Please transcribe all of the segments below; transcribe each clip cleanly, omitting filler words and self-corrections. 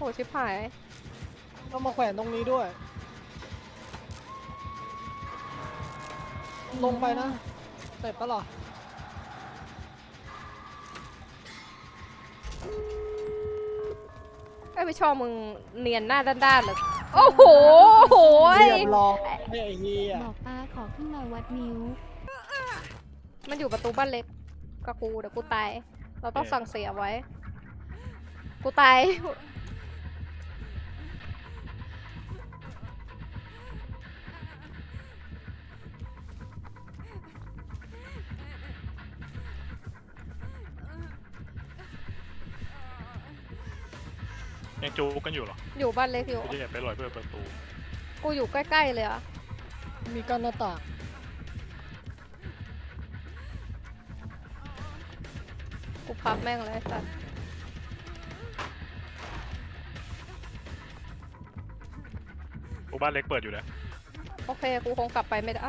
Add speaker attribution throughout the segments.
Speaker 1: หชิบหาย
Speaker 2: ต้องมาแขวนตรงนี้ด้วยลงไปนะเสร็จปะหรอ
Speaker 1: ไม่ชอบมึงเนียนหน้าด้านๆเลยโอ้โหโหย
Speaker 2: เรียบร้อยไอ้เหี้ย
Speaker 3: บอกป้าขอขึ้นมาวัดนิ้ว
Speaker 1: มันอยู่ประตูบ้านเล็กกับกูเดี๋ยวกูตายเราต้องสั่งเสียไว้กูตาย
Speaker 4: ยังจูกันอยู่เหรอ
Speaker 1: อยู่บ้านเล็กอยู่
Speaker 4: กูจะแอบไปลอยเพื่อประตู
Speaker 1: กูอยู่ใกล้ๆเลยอะ
Speaker 2: มีกั้นหน้าต่าง
Speaker 1: กูพับแม่งเลยสัตว์
Speaker 4: กูบ้านเล็กเปิดอยู่นะ
Speaker 1: โอเคกูคงกลับไปไม่ได้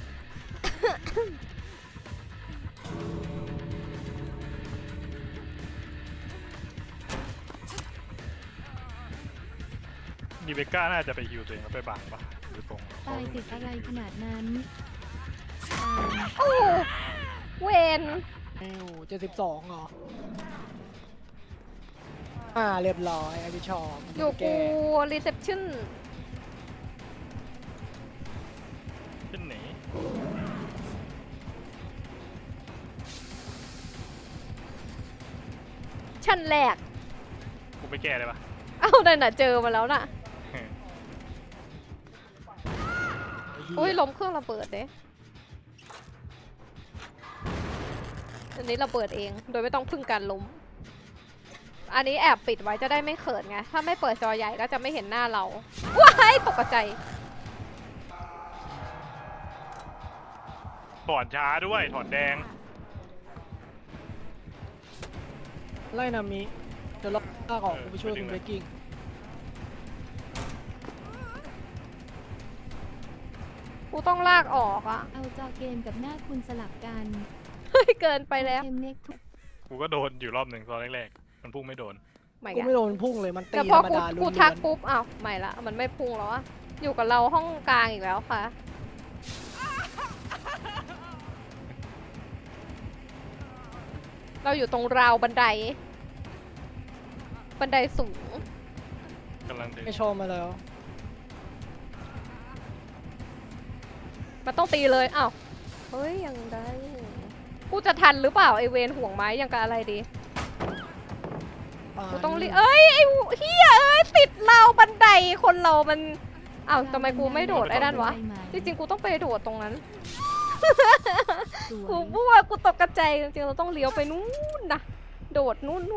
Speaker 4: ดีเบก้าน่าจะไปฮิวตัวเองแล้วไปบังปะหรือตรง
Speaker 3: ตายติดอะไรขนาดนั้น
Speaker 1: โอ้เวน
Speaker 2: 72เหรอเรียบร้อยไอ้พี่ชอบ
Speaker 1: อยู่
Speaker 2: แก
Speaker 1: กูรีเซพชั่น
Speaker 4: ขึ้นหนี
Speaker 1: ชั้นแรก
Speaker 4: กูไปแก้ได้ปะ
Speaker 1: เอ้านั่นน่ะเจอมาแล้วน่ะอุ้ยล้มเครื่องระเบิดเด้อันนี้ระเบิดเองโดยไม่ต้องพึ่งการล้มอันนี้แอบปิดไว้จะได้ไม่เขินไงถ้าไม่เปิดจอใหญ่ก็จะไม่เห็นหน้าเราว้ายตกใจ
Speaker 4: ถอนช้าด้วยถอนแดง
Speaker 2: ไล่นามิเดี๋ยวเราลากออกกูไปช่วยคุณเบกกิ้ง
Speaker 1: กูต้องลากออกอ่ะ
Speaker 3: เอาจอเกมกับหน้าคุณสลับกัน
Speaker 1: เฮ้ยเกินไปแล้ว
Speaker 3: เกมเน็กทุก
Speaker 4: กูก็โดนอยู่รอบหนึ่งตอนแรกๆมันพุ่งไม่โดน
Speaker 1: ไม่
Speaker 2: กู
Speaker 1: กัน
Speaker 2: ไม่โดนพุ่งเลยมันตี
Speaker 1: แต่
Speaker 2: ธ
Speaker 1: พอ
Speaker 2: รรม
Speaker 1: กู
Speaker 2: ดา
Speaker 1: กู
Speaker 2: ล้วน
Speaker 1: ทักปุ๊บอ้าวไม่ละมันไม่พุ่งแล้วอะอยู่กับเราห้องกลางอีกแล้วค่ะ เราอยู่ตรงราวบันได บันไดสูง
Speaker 4: กำลังดึง
Speaker 2: ไม่ชอบมาแล้ว
Speaker 1: มันต้องตีเลยอ้าวเฮ้ยยังได้กูจะทันหรือเปล่าไอเวนห่วงไม้ยังกับอะไรดีกูต้องรีบเอ้ยไอเฮียเอ้ยติดราวบันไดคนเรามันอ้าวทำไมกูไม่โดดไอ้นั่นวะจริงๆกูต้องไปโดดตรงนั้น
Speaker 3: สว
Speaker 1: กู
Speaker 3: ย
Speaker 1: บัวกูตกกระจายจริงๆเราต้องเลี้ยวไปนู้นนะโดดนู้น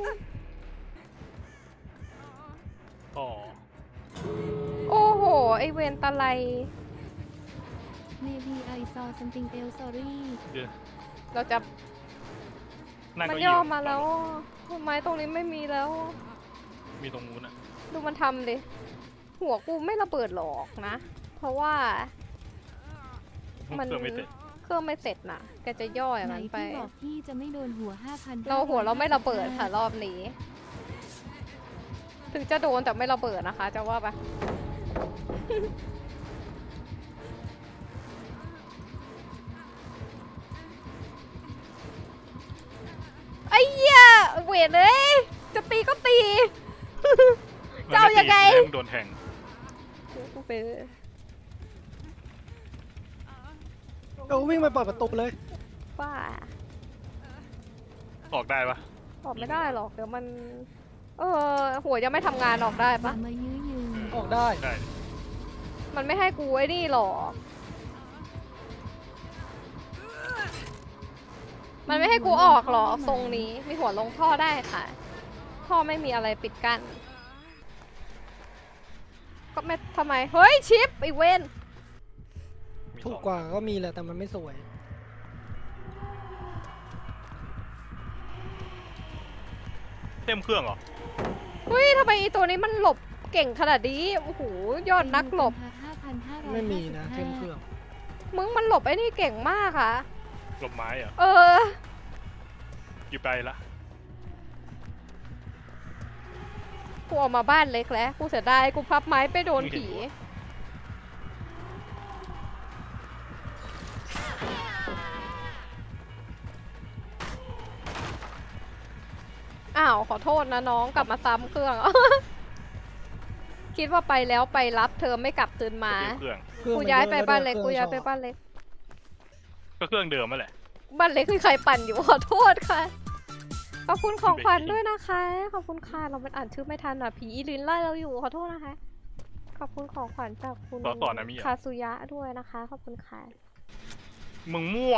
Speaker 4: ต่อ
Speaker 1: โอ้โหไอเวนตะไล
Speaker 3: เมบีไอซอซัมติงเอลซอรี่
Speaker 4: เดี๋ยว
Speaker 1: เราจะ
Speaker 4: นั่ง
Speaker 1: มัน
Speaker 4: เก็
Speaker 1: ย่อมาแล้วไม้ตรงนี้ไม่มีแล้ว
Speaker 4: มีตรงนู้นอะ
Speaker 1: ดูมันทำดิหัวกูไม่ระเบิดหรอกนะ เพราะว่ามัน
Speaker 4: เครื่องไม่เสร็จ
Speaker 1: เครื่องไม่เสร็จนะแกจะย่ออย่าง
Speaker 3: ไหน
Speaker 1: นั้นไป
Speaker 3: พี่บอกพี่จะไม่โดนหัว 5,000
Speaker 1: เราหัวเราไม่ระเบิดค่ะรอบนี้ ถึงจะโดนแต่ไม่ระเบิดนะคะ จะว่าไป ไอ้เหี้ยเวทเลยจะตีก็ตี จะเอายังไง
Speaker 4: มันม่ตีโดนแทง
Speaker 1: กูไป
Speaker 2: เราวิ่งไปเปิดประตูเลย
Speaker 1: ว่า
Speaker 4: ออกได้ปะ
Speaker 1: ออกไม่ได้หรอกเดี๋ยวมัน หัวยังไม่ทำงานออกได้
Speaker 3: อย่า
Speaker 1: ปะ
Speaker 3: มายื้อยืน
Speaker 2: ออกได้
Speaker 4: ได้
Speaker 1: มันไม่ให้กูไอ้นี่หรอก มันไม่ให้กูออกหรอกทรงนี้ มีหัวลงท่อได้ค่ะ ท่อไม่มีอะไรปิดกั้น ก็ไม่ทำไม เฮ้ย ชิปไอเวน
Speaker 4: มี
Speaker 2: ถู
Speaker 4: ส
Speaker 2: ก
Speaker 4: อง
Speaker 2: กว่าก็มีแหละแต่มันไม่สวย
Speaker 4: เต็มเครื่องเหรอ
Speaker 1: เฮ้ยทำไมอีตัวนี้มันหลบเก่งขนาดนี้ โอ้โห ยอดนักหลบ
Speaker 3: 5,555
Speaker 2: ไม่มีนะเข้มเครื่อง
Speaker 1: มึงมันหลบไอ้นี่เก่งมากอะ
Speaker 4: หลบไม้เหรอ
Speaker 1: เออ
Speaker 4: อยู่ไปละ
Speaker 1: กูออกมาบ้านเล็กแล้ว กูเสียดายกูพับไม้ไปโดนผี อ้าวขอโทษนะน้องกลับมาซ้ำเครื่อง คิดว่าไปแล้วไปรับเธอไม่กลับคืนมา
Speaker 4: เครื่อง
Speaker 1: กูย้ายไปบ้านเล็ก กูย้ายไปบ้านเล็ก
Speaker 4: ก็เครื่องเดิมนั่นแหละ
Speaker 1: บ้านเล็กคือใครปั่นอยู่ ขอโทษค่ะ ขอบคุณของขวัญด้วยนะคะ ขอบคุณค่ะเราเป็นอ่านชื่อไม่ทันอ่ะผีอีลินไล่เราอยู่ขอโทษนะคะ ขอบคุณของขวัญจากคุณ
Speaker 4: ต่อนะมิ
Speaker 1: คาซุยะด้วยนะคะ ขอบคุณค่ะ
Speaker 4: มึงมั่ว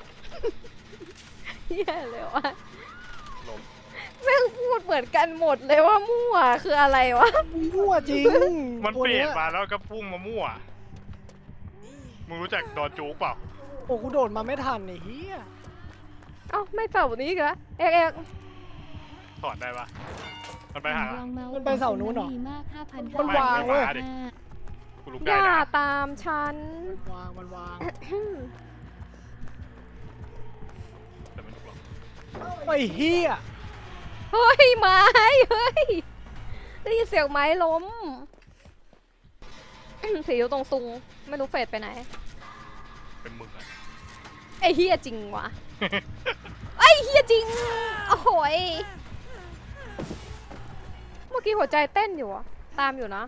Speaker 1: เหี้ยเลยว่ะ
Speaker 4: ลม
Speaker 1: แม่งพูดเหมือนกันหมดเลยว่ามั่วคืออะไรวะ
Speaker 2: มั่วจริง
Speaker 4: มัน
Speaker 2: ตัว
Speaker 4: เปลี่ย
Speaker 2: ย
Speaker 4: นมาแล้วก็พุ่งมามั่ว มึงรู้จักดอนจูกเปล่า
Speaker 2: โอ้กูโดดมาไม่ทันไอ้เหี้ย
Speaker 1: เอ้าไม่เป่านี้กะเอกเอก
Speaker 4: ถอดได้ปะมันไปหา
Speaker 3: ลองเมาส์
Speaker 2: มันไปเสานู้นเหรอ
Speaker 3: ดีมาก
Speaker 2: มันวางเว้ย
Speaker 4: กูลุก
Speaker 1: อ
Speaker 4: ได้
Speaker 1: ย่า
Speaker 4: นะ
Speaker 1: ตามฉัน
Speaker 2: มันวาง
Speaker 4: แต่มันลุกหรอก
Speaker 2: ไอ้เหี้ย
Speaker 1: เฮ้ยไม้เฮ้ยได้ยินเสียงไม้ล้ม สีอยู่ตรงซุงไม่รู้เฟดไปไหน
Speaker 4: เป็นมึงอะ
Speaker 1: ไอ้เฮียจริงวะ ไอ้เฮียจริง โอ้โหยเมื่อกี้หัวใจเต้นอยู่อะตามอยู่นะ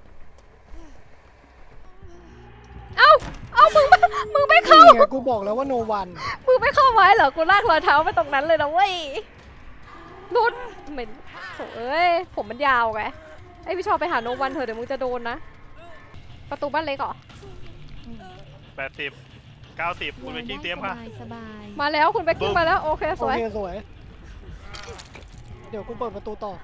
Speaker 1: เอ้ามึงไม่เข้า
Speaker 2: นี่ไงกูบอกแล้วว่าโนวัน
Speaker 1: มึงไม่เข้าไว้เหรอ กูลากรอยเท้าไปตรงนั้นเลยนะเว้ยนุดเหม็นโถ่เอ้ย ผมมันยาวไง ไอพี่ชอบไปหาโนวันเถอะเดี๋ยวมึงจะโดนนะ ประตูบ้านเล็กเหรอ
Speaker 4: 80 90คุณไปกิ้งเตรียมค่ะ
Speaker 3: สบาย
Speaker 1: มาแล้วคุณเบกกิ้งมาแล้ว โอเคส
Speaker 2: โอ
Speaker 1: วย
Speaker 2: เคสวย เดี๋ยวกูเปิดประตูต่อ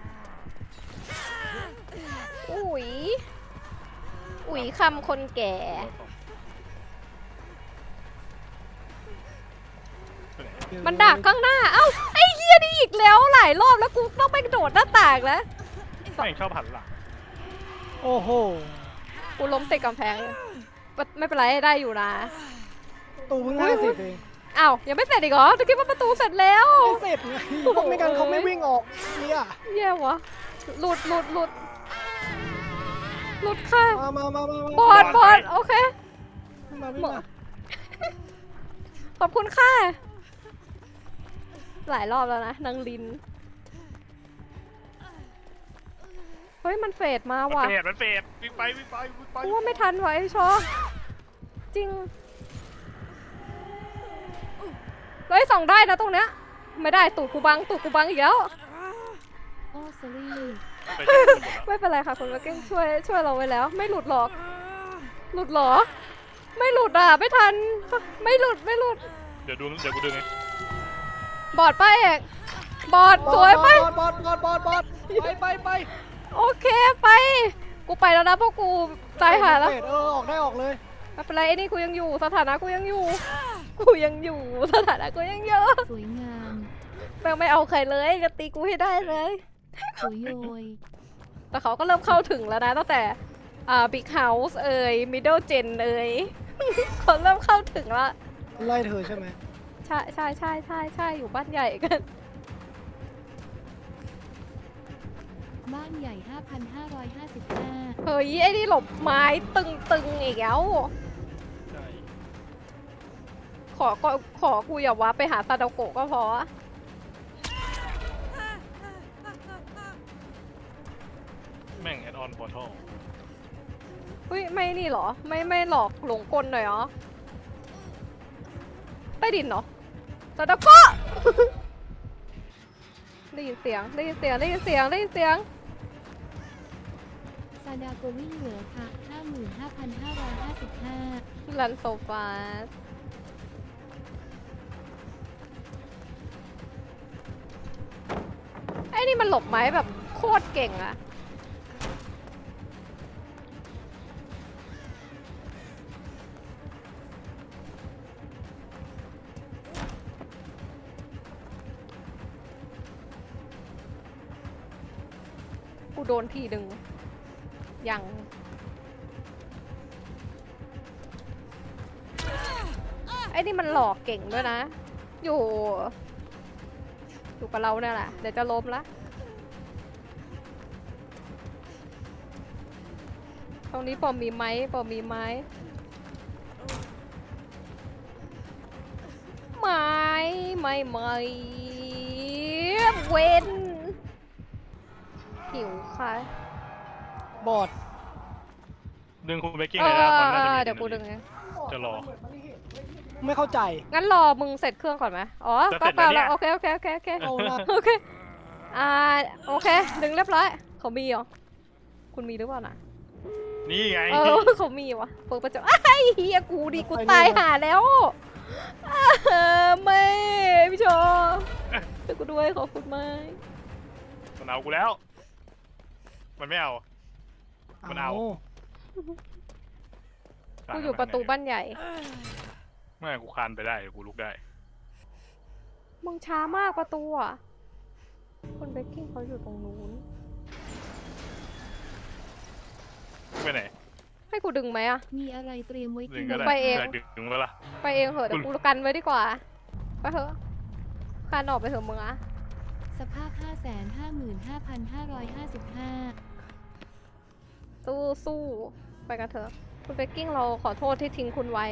Speaker 1: อุ๋ยคำคนแก่ มันดักข้างหน้า เอ้า ไอ้เฮียนี่อีกแล้วหลายรอบแล้วกูต้องไปโดดหน้าต่างแล้ว
Speaker 4: ไม่ชอบหันหลัง
Speaker 2: โอ้โห
Speaker 1: กูล้มติดกำแพงเลยไม่เป็นไรได้อยู่นะ
Speaker 2: ประตูเพิ่ง50เอง
Speaker 1: อ้าวยังไม่เสร็จอีกเหรอตะกี้ว่าประตูเสร็จแล้ว
Speaker 2: ไม่เสร็จไงเพราะไม่งั้นเขาไม่วิ่งออกเนี่ย
Speaker 1: เย่วะหลุดค่ะ
Speaker 2: มา
Speaker 1: บอดโอเค
Speaker 2: วิ่งมา
Speaker 1: ขอบคุณค่ะ หลายรอบแล้วนะนางลิน เฮ้ยมันเฟดมาว่ะ
Speaker 4: มันเฟดวิ่งไป
Speaker 1: กูว่าไม่ทันว่ะไอ้ชอจริงเฮ้ยส่องได้นะตรงเนี้ย ไม่ได้ตูดกูบังอีกแล้ว
Speaker 3: โอ้สรี
Speaker 4: ไปเจอคนหมดแล้ว
Speaker 1: ไม่เป็นไรค่ะคุณมาเก้งช่วยเราไว้แล้ว ไม่หลุดหรอก หลุดเหรอ ไม่หลุดอ่ะไม่ทัน ไม่หลุด
Speaker 4: เดี๋ยวกูดึงไง
Speaker 1: บอดไปเอกบอดสวยไป
Speaker 2: บอดไป
Speaker 1: โอเคไป กูไปแล้วนะเพราะกูตายหาแล้ว
Speaker 2: ออกได้ออกเลย
Speaker 1: ไม่เป็นไรไอ้นี่กูยังอยู่สถานะกูยังอยู่สถานะกูยังเยอะ
Speaker 3: สวยงาม
Speaker 1: แม่งไม่เอาใครเลยจะตีกูให้ได้เลย
Speaker 3: สวยโยย
Speaker 1: แต่เขาก็เริ่มเข้าถึงแล้วนะตั้งแต่Big House เอ่ย Middle Gen เอ่ย เขาเริ่มเข้าถึงแล้ว
Speaker 2: ไล่เธอใช่ไหม
Speaker 1: ใช่อยู่บ้านใหญ่กัน
Speaker 3: บ้านใหญ่ 5,555
Speaker 1: เฮ้ยไอ้นี่หลบไม้ตึงอีกแล้ว
Speaker 4: ใช่
Speaker 1: ขอกูอย่าว่าไปหาซาดาโกะก็พอ
Speaker 4: แม่งแอดออนพอร์ทัล
Speaker 1: เฮ้ยไม่นี่เหรอ ไม่หลอกหลงกลหน่อยเหรอ ใต้ดินเหรอซาดาโกะ ได้ยินเสียง
Speaker 3: ซาดาโกวิ่งเหลือค่ะ 55,555
Speaker 1: ลันโซฟาสไอ้นี่มันหลบไม้แบบโคตรเก่งอะกูโดนทีหนึ่งยังไอ้นี่มันหลอกเก่งด้วยนะ อยู่กับเราเนี่ยแหละ เดี๋ยวจะล้มละตรงนี้ปอมีไหมปอมีไหมไม่เว้นหิวค่ะ
Speaker 2: บอด
Speaker 4: ดึงคุณเบกกิ้งเลยนะตอนน่าจะมี
Speaker 1: เดี๋ยวกูดึงเอง
Speaker 4: จะรอ
Speaker 2: ไม่เข้าใจ
Speaker 1: งั้นรอมึงเสร็จเครื่องก่อนไหมอ๋อ
Speaker 4: จะ
Speaker 1: ก็
Speaker 4: เสร็จ
Speaker 1: เปล่า
Speaker 4: แล้ว
Speaker 1: แล้ว
Speaker 4: เนี่ย
Speaker 1: โอเค
Speaker 2: เอาละ
Speaker 1: โอเคโอเค ดึงเรียบร้อย เขามีเหรอ คุณมีหรือเปล่านะ
Speaker 4: นี่ไง
Speaker 1: เขามีวะเปิดประตูไอ้เฮียกูดิกูตายหาแล้วไม่พี่โชช่วยกูด้วยขอบคุณมาก
Speaker 4: มันเอากูแล้ว มันไม่เอา มันเอา
Speaker 1: กูอยู่ประตูบ้านใหญ่
Speaker 4: ไม่กูคานไปได้กูลุกได้
Speaker 1: มึงช้ามากประตูอ่ะคนเบกกิ้งเขาอยู่ตรงนู้น
Speaker 4: ไปไหน
Speaker 1: ให้กูดึงไหมอะ
Speaker 3: มีอะไรเตรียมไว้
Speaker 4: ดึ
Speaker 3: กิ
Speaker 4: ง
Speaker 3: น
Speaker 4: ก็ได้
Speaker 1: ไปเอง
Speaker 4: ยากดึงแล้วล่ะ
Speaker 1: ไปเองเหอะเดี๋ยวกูกันไว้ดีกว่าไปเถอะคานออกไปเถอะมึงอะ
Speaker 3: สภาพ 555,555
Speaker 1: สู้ไปกันเถอะคุณเบกกิ้งเราขอโทษที่ทิ้งคุณไว้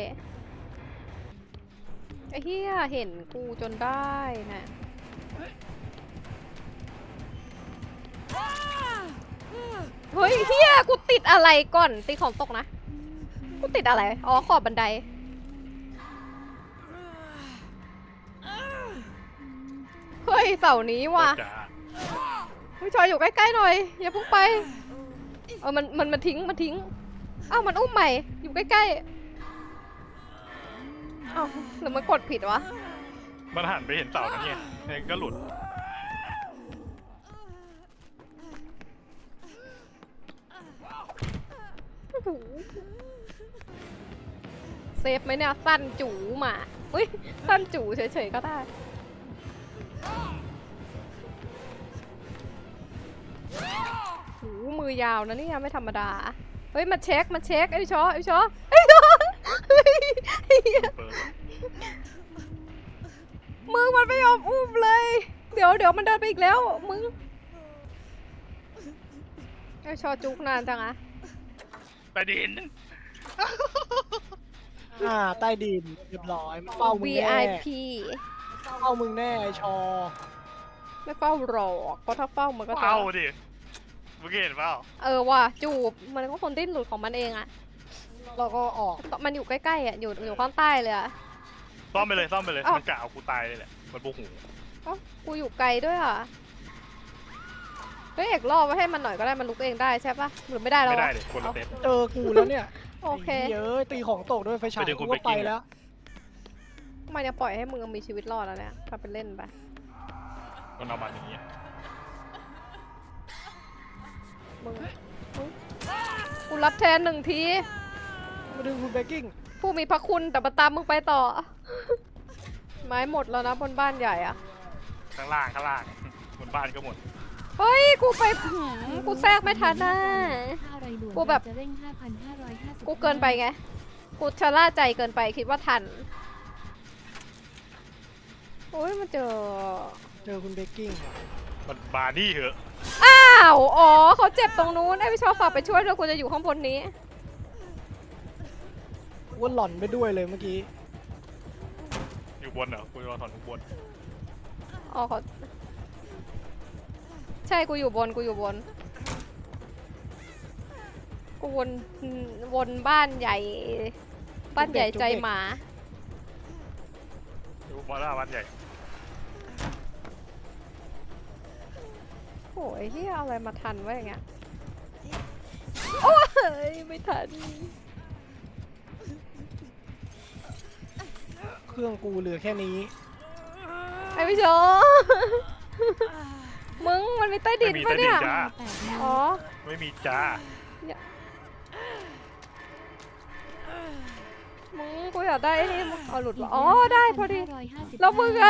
Speaker 1: ไอ้เหี้ยเห็นกูจนได้นะเฮ้ยเหี้ยกูติดอะไรก่อนติดของตกนะกูติดอะไรอ๋อขอบบันไดเฮ้ยเสานี้ว่ะ
Speaker 4: จ้า
Speaker 1: พี่ชอยอยู่ใกล้ๆหน่อยอย่าเพุ่งไปมันทิ้งอ้าวมันอุ้มใหม่อยู่ใกล้ๆอ้าวหรือมันกดผิดวะ
Speaker 4: มันหันไปเห็นเสานั่นไงเนี่ยก็หลุด
Speaker 1: เซฟไหมเนี่ยสั้นจู๋มาอุ้ยสั้นจู๋เฉยๆก็ได้หูมือยาวนะเนี่ยไม่ธรรมดาเฮ้ยมาเช็คไอ้ชอเฮ้ยมึงมันไม่ยอมอุ้มเลยเดี๋ยวมันเดินไปอีกแล้วมึงไอ้ชอจุกนานจังอะ
Speaker 4: ไปดิน
Speaker 2: ใต้ดินเรียบร้อยมันเฝ้ามึงแน่
Speaker 1: VIP
Speaker 2: เฝ้ามึงแน่ไอ้ชอ
Speaker 1: ไม่เฝ้าหรอกเพราะถ้าเฝ้ามันก็จะ
Speaker 4: เฝ้าดิเมื่อกี้เห็นเปล่า
Speaker 1: ว่ะจูบมันก็คนดิ้นหลุดของมันเองอะ
Speaker 2: เราก็ออก
Speaker 1: มันอยู่ใกล้ๆอะอยู่ข้างใต้เลยอะ
Speaker 4: ซ่อมไปเลย
Speaker 1: อ้าว
Speaker 4: มันกะเอากูตายเลยแหละมันโมโห
Speaker 1: เอ้ากูอยู่ไกลด้วยอะเฮ้ยเอกล่อไว้ให้มันหน่อยก็ได้มันลุกเองได้ใช่ปะหรือไม่ได้แล้ว
Speaker 4: ไม่ได้
Speaker 1: วะ
Speaker 4: เลยคนละเต็ป
Speaker 2: เจอกูแล้วเนี่ย
Speaker 1: โอเค
Speaker 2: ไอ้เหี้ยอะตีของตกด้วยไฟฉาย
Speaker 4: ไปดึงคุ
Speaker 2: กู
Speaker 4: ณ
Speaker 2: ก็
Speaker 4: ไป
Speaker 2: ไป
Speaker 4: กิน
Speaker 2: แล้ว
Speaker 1: มันยังปล่อยให้มึงมีชีวิตรอดแล้วเนี่ยทำเป็นเล่นไป
Speaker 4: มันเอามันอย่างเงี้ย
Speaker 1: มึงกูรับแทน1 ที
Speaker 2: มาดึงคุณเบกกิ้ง
Speaker 1: ผู้มีพระคุณแต่มาตามมึงไปต่อ ไม้หมดแล้วนะบนบ้านใหญ่อะ
Speaker 4: ข้างล่างบนบ้านก็หมด
Speaker 1: เฮ้ยกูไปกูแทรกไม่ทันน่ะ
Speaker 3: ถ้าอะไรด่วน
Speaker 1: กูแบบ
Speaker 3: จะเร่ง 5,555
Speaker 1: กูเกินไปไง กูชะล่าใจเกินไปคิดว่าทัน โอ้ยมันเจอ
Speaker 2: คุณเบกกิ้ง
Speaker 4: มันบาร์นี่เหอะ
Speaker 1: อ้าว อ๋อเขาเจ็บตรงนู้นไอ้พี่ชอบฝากไปช่วยด้วยกูจะอยู่ข้างบนนี้
Speaker 2: ว่าหล่อนไปด้วยเลยเมื่อกี้
Speaker 4: อยู่บนเหรอกูรอถอนทุกบน
Speaker 1: อ๋อเขาใช่กูอยู่บนกูวนบ้านใหญ่ บ้านใหญ่ใจหมา
Speaker 4: อยู่บนหน้าบ้านใหญ่
Speaker 1: โอ้ยเฮียเอาอะไรมาทันวะอย่างเงี้ย โอ้ยไม่ทัน
Speaker 2: เครื่องกูเหลือแค่นี้
Speaker 1: ไอ้พี่โชมึงมันมีใต้ดิน
Speaker 4: ไม่มี
Speaker 1: ปะ
Speaker 4: ใต้ดิ
Speaker 1: เนี่
Speaker 4: น
Speaker 1: ย
Speaker 4: จ้า
Speaker 1: อ๋อ
Speaker 4: ไม่มีจ้า
Speaker 1: มึงกูอยากได้ไอ้นี่มึงเอาหลุดวะอ๋อได้พอดี แล้วมึงอะ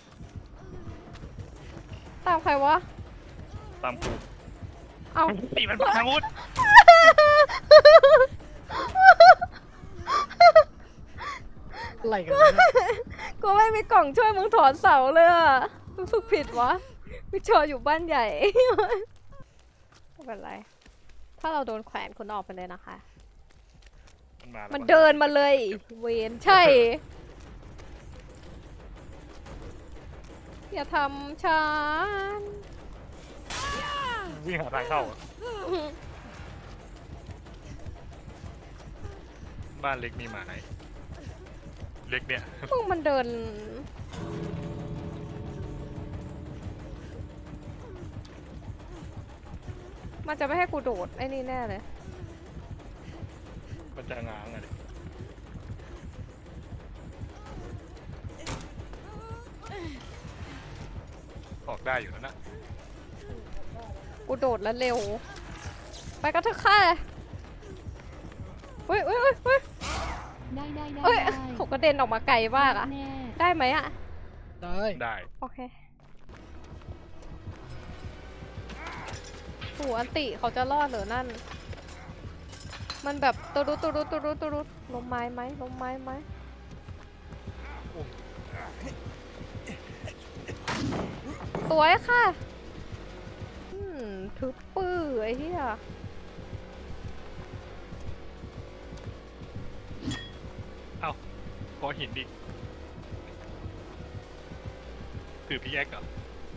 Speaker 1: ตามใครวะ
Speaker 4: ตามกู
Speaker 1: เอา
Speaker 4: ตีมันพังวุฒ
Speaker 2: อะไรกันวะเนี่ย
Speaker 1: กูไม่มีกล่องช่วยมึงถอนเสาเลยอะรู้สึกผิดวะพี่โชอยู่บ้านใหญ่ ไม่เป็นไรถ้าเราโดนแขวนคุณออกไปเลยนะคะ
Speaker 4: มันมาแล้ว
Speaker 1: มันเดินมาเลย เวนใช่ อย่าทำฉัน
Speaker 4: วิ่งหาทางเข้าอะบ้านเล็กมีหมาไหนเล็กเนี่ย
Speaker 1: มึงมันเดิน มันจะไม่ให้กูโดดไอ้นี่แน่เลย
Speaker 4: มันจะง้างอะดิออกได้อยู่แล้วนะ
Speaker 1: กูโดดแล้วเร็ว ไปกันเถอะค่ะเฮ้ยเฮ้ยเฮ้ยเฮ้ย
Speaker 3: ได้ได้ได้
Speaker 1: เฮ้ย
Speaker 3: ได้
Speaker 1: เขากระเด็นออกมาไกลมากอะ
Speaker 3: แน่
Speaker 1: ได้ไหมอะ
Speaker 2: ได้
Speaker 4: ได้
Speaker 1: โอเคโหอันติเขาจะรอดเหรือนั่น มันแบบตุรุตุรุตุรุตุรุลมไม้ไหมลมไม้ไหมสวยค่ะทึบปื้อไอ้เหี้ย
Speaker 4: เอ้าขอหินดิถือพีแอคเหรอ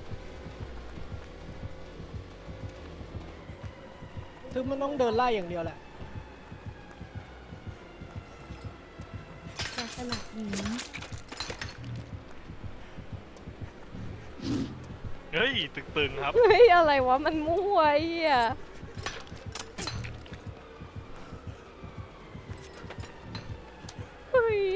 Speaker 2: คือมันต้องเดินไล่อย่างเดียวแหละ
Speaker 3: แต่สลักหิน
Speaker 4: เฮ้ยตึงๆครับ
Speaker 1: เฮ้ยอะไรวะมันมั่วไอ้เหี้ยเฮ้ย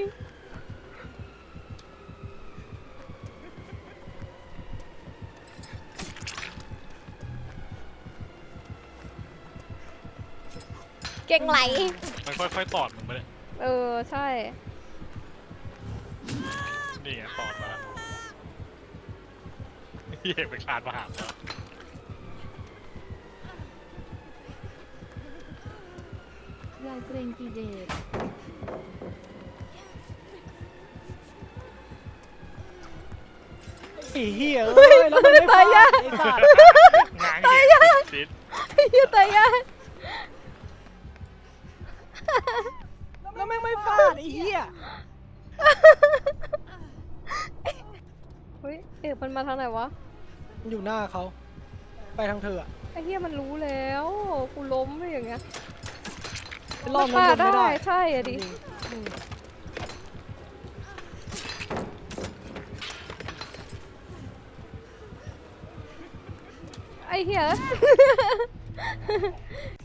Speaker 1: เก่งไหล
Speaker 4: มันค่อยๆตอดมึงไปเลย
Speaker 1: เออ ใช่
Speaker 4: นี่ไงตอดมาเหี้ยไปคลานมาหาแล้ว
Speaker 3: รายเกรงกีเดช
Speaker 2: ไอ้เหี้ยเอ้ยแล้วมันไม่ฟาดไอ้สัตว์
Speaker 4: ง้างเหยียบซิด
Speaker 1: ไอ้เหี้ยตายยาก
Speaker 2: แล้วแม่งไม่ฟาดไอ้เหี้ย
Speaker 1: เฮ้ยเอ๊ะมันมาทางไหนวะ
Speaker 2: มันอยู่หน้าเขาไปทางเธออะ
Speaker 1: ไอ้เหี้ยมันรู้แล้ว กูล้มไปอย่างเงี้ย
Speaker 2: เป็นรอบ
Speaker 1: ฆ่า
Speaker 2: นั้นลงไม่ได้
Speaker 1: ใช่อะดิ
Speaker 2: อืม
Speaker 1: ไอ้เหี้ย